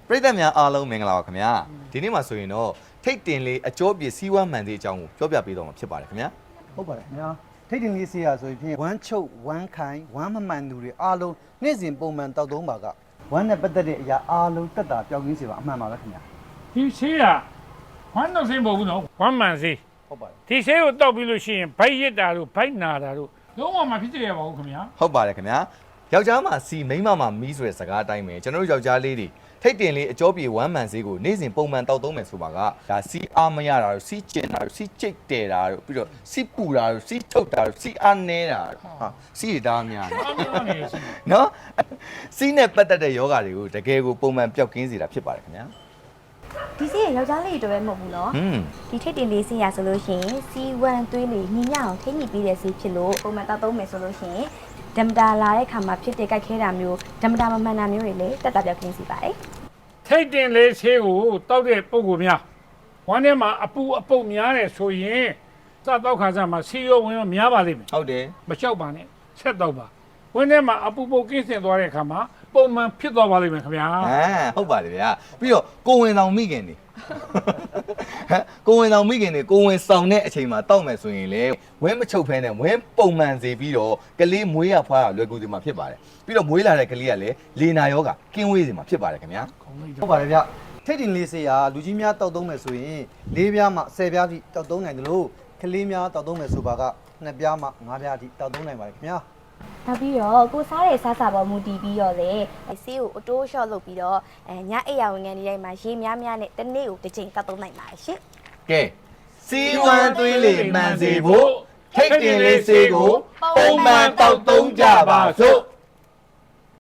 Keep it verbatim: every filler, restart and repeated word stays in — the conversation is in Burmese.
ပရိသတ်များအားလုံးမင်္ဂလာပါခင်ဗျာဒီနေ့မှာဆိုရင်တော့ထိတ်တင်လေးအကျော်ပြစီးဝမ်းမှန်သေးအကြောင်းကိုပြောပြပေးတော့မှာဖြစ်ပါတယ်ခင်ဗျာဟုတ်ပါတယ်ခင်ဗျာထိတ်တင်လေးဆေးရဆိုရင်ဝမ်းချုပ်ဝမ်းခိုင်ဝမ်းမမှန်သူတွေအားလုံးနေ့စဉ်ပုံမှန်တောက်သုံးပါကဝမ်းနဲ့ပတ်သက်တဲ့အရာအားလုံးတက်တာပျောက်ကင်းစေပါအမှန်ပါပဲခင်ဗျာဒီဆေးကဝမ်းတော့ဆေးမဟုတ်ဘူးနော်ဝမ်းမှန်ဆေးဟုတ်ပါတယ်ဒီဆေးကိုတောက်ပြီးလို့ရှိရင်ဗိုက်ရစ်တာတို့ဗိုက်နာတာတို့လုံးဝမဖြစ်ကြရပါဘူးခင်ဗျာဟုတ်ပါတယ်ခင်ဗျာယောက်ျားမှာစီမိန်းမမှာမီးဆိုတဲ့စကားအတိုင်းပဲကျွန်တော်တို့ယောက်ျားလေးတွေထိတ်တင်လေးအကျော်ပြေဝမ်းမှန်ဆေးကိုနေ့စဉ်ပုံမှန်တောက်သုံးမယ်ဆိုပါကဒါစီအားမရတာတို့စီကျင်တာတို့စီကျိတ်တဲတာတို့ပြီးတော့စီပူတာတို့စီထုတ်တာတို့စီအားနေတာတို့ဟာစီတွေတားများတယ်နော်စီနဲ့ပတ်သက်တဲ့ယောဂါတွေကိုတကယ်ကိုပုံမှန်ပျောက်ကင်းစေတာဖြစ်ပါတယ်ခင်ဗျာဒီဆေးရယောက်ျားလေးတွေပဲမဟုတ်ဘူးနော်ဒီထိတ်တင်လေးဆေးရဆိုလို့ရှိရင်စီဝမ်းသွေးလေးညီညအောင်ထိညှိပြီးတဲ့ဆေးဖြစ်လို့ပုံမှန်တောက်သုံးမယ်ဆိုလို့ရှိရင်ဓမ္မတာလာတဲ့ခါမှာဖြစ်တဲ့ကြိုက်ခဲတာမျိုးဓမ္မတာမမှန်တာမျိုးတွေလည်းတက်တာပြောက်ကင်းစီပါတယ်ထိတ်တင်လေးဆေးကိုတောက်တဲ့ပုံကိုများဝမ်းထဲမှာအပူအပုတ်များတယ်ဆိုရင်စတောက်ခါစားမှာစီရောဝင်ရောများပါလိမ့်မယ်ဟုတ်တယ်မလျှောက်ပါနဲ့ဆက်တော့ပါဝင်းထဲမှာအပူပုတ်ကင်းစင်သွားတဲ့အခါမှာပုံမှန်ဖြစ်သွားပါလိမ့်မယ်ခင်ဗျာဟမ်ဟုတ်ပါတယ်ဗျာပြီးတော့ကိုဝင်ဆောင်မိခင်နေဟမ်ကိုဝင်ဆောင်မိခင်နေကိုဝင်ဆောင်တဲ့အချိန်မှာတောက်မယ်ဆိုရင်လေဝင်းမချုပ်ဖဲနဲ့ဝင်းပုံမှန်စေပြီးတော့ကလေးမွေးရဖွားရလွယ်ကူစီမှာဖြစ်ပါတယ်ပြီးတော့မွေးလာတဲ့ကလေးကလည်းလေနာယောဂကင်းဝေးစီမှာဖြစ်ပါတယ်ခင်ဗျာဟုတ်ပါတယ်ဗျထိတ်တင်လေးဆေးရလူကြီးများတောက်သုံးမယ်ဆိုရင်လေးပြားမှဆယ်ပြားထိတောက်သုံးနိုင်တယ်လို့ကလေးများတောက်သုံးမယ်ဆိုပါကနှစ်ပြားမှငါးပြားထိတောက်သုံးနိုင်ပါတယ်ခင်ဗျာနောက်ပြီးတော့ကိုစားတဲ့စားစာပေါ်မူတည်ပြီးတော့လေဆေးကိုအတိုးရှော့လုပ်ပြီးတော့အဲညအိပ်ရဝင်ငန်းဒီတိုင်းမှာရေများများနဲ့တစ်နေ့ကိုတစ်ချိန်တောက်သုံးနိုင်ပါတယ်ရှင်ကဲစီဝမ်းသွေးလေးမှန်စေဖို့ထိတ်တင်လေးဆေးကိုပုံမှန်တောက်သုံးကြပါစို့